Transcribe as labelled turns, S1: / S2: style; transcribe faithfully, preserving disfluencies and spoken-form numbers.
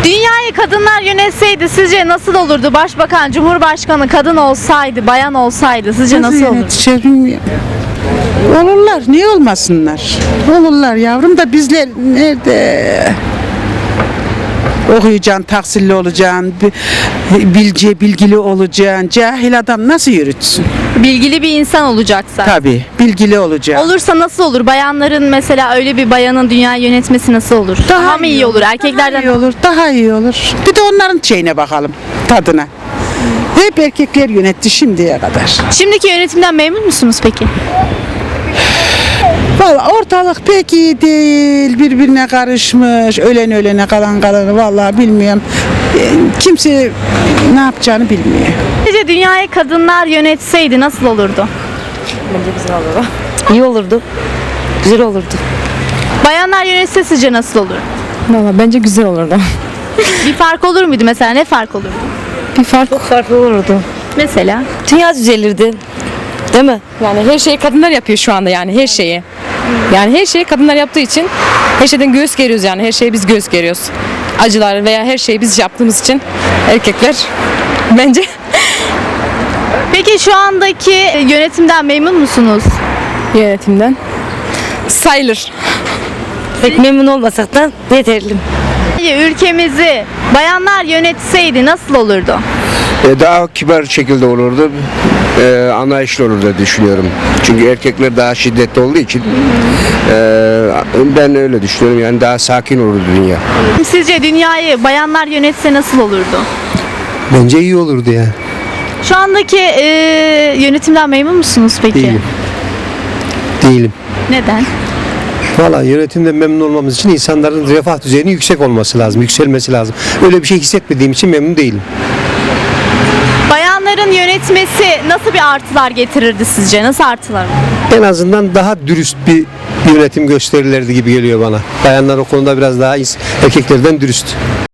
S1: Dünyayı kadınlar yönetseydi sizce nasıl olurdu? Başbakan, Cumhurbaşkanı kadın olsaydı, bayan olsaydı sizce nasıl, olurdu?
S2: yönetecek bilmiyorum. Olurlar, niye olmasınlar? Olurlar yavrum da bizler nerede? Okuyacaksın, tahsilli olacaksın, bi- bilce, bilgili olacaksın. Cahil adam nasıl yürütsün?
S1: Bilgili bir insan olacaksa.
S2: Tabii, bilgili olacaksın.
S1: Olursa nasıl olur? Bayanların mesela öyle bir bayanın dünyayı yönetmesi nasıl olur? Daha, mı iyi olur? Erkeklerden
S2: Daha iyi olur, daha iyi olur. Bir de onların şeyine bakalım, tadına. Hep erkekler yönetti şimdiye kadar.
S1: Şimdiki yönetimden memnun musunuz peki?
S2: Vallahi ortalık pek iyi değil, birbirine karışmış, ölen ölene kalan kalanı vallahi bilmiyorum. E, Kimse ne yapacağını bilmiyor.
S1: Sizce dünyayı kadınlar yönetseydi nasıl olurdu?
S3: İyi olurdu. Güzel olurdu.
S1: Bayanlar yönetse sizce nasıl olur?
S3: Valla bence güzel olurdu.
S1: Bir fark olur muydu mesela? Ne fark olurdu?
S3: Bir fark Çok farklı olurdu.
S1: Mesela?
S3: Dünya düzelirdi. Değil mi?
S4: Yani her şeyi kadınlar yapıyor şu anda, yani her şeyi. Yani her şeyi kadınlar yaptığı için her şeyden göğüs geriyoruz, yani her şeyi biz göğüs geriyoruz. Acılar veya her şeyi biz yaptığımız için erkekler bence
S1: Peki şu andaki yönetimden memnun musunuz?
S4: yönetimden sayılır.
S3: Pek memnun olmasak da yeterli.
S1: Ülkemizi bayanlar yönetseydi nasıl olurdu?
S5: E, daha kibar şekilde olurdu, e, anlayışlı olur diye düşünüyorum. Çünkü erkekler daha şiddetli olduğu için e, ben öyle düşünüyorum, yani daha sakin olurdu dünya.
S1: Sizce dünyayı bayanlar yönetse nasıl olurdu?
S6: Bence iyi olurdu ya.
S1: Şu andaki e, yönetimden memnun musunuz peki?
S6: Değilim. Değilim.
S1: Neden?
S6: Valla yönetimden memnun olmamız için insanların refah düzeyinin yüksek olması lazım, yükselmesi lazım. Öyle bir şey hissetmediğim için memnun değilim.
S1: Bayanların yönetmesi nasıl bir artılar getirirdi sizce? Nasıl artılar?
S6: En azından daha dürüst bir yönetim gösterilirdi gibi geliyor bana. Bayanlar o konuda biraz daha ins- erkeklerden dürüst.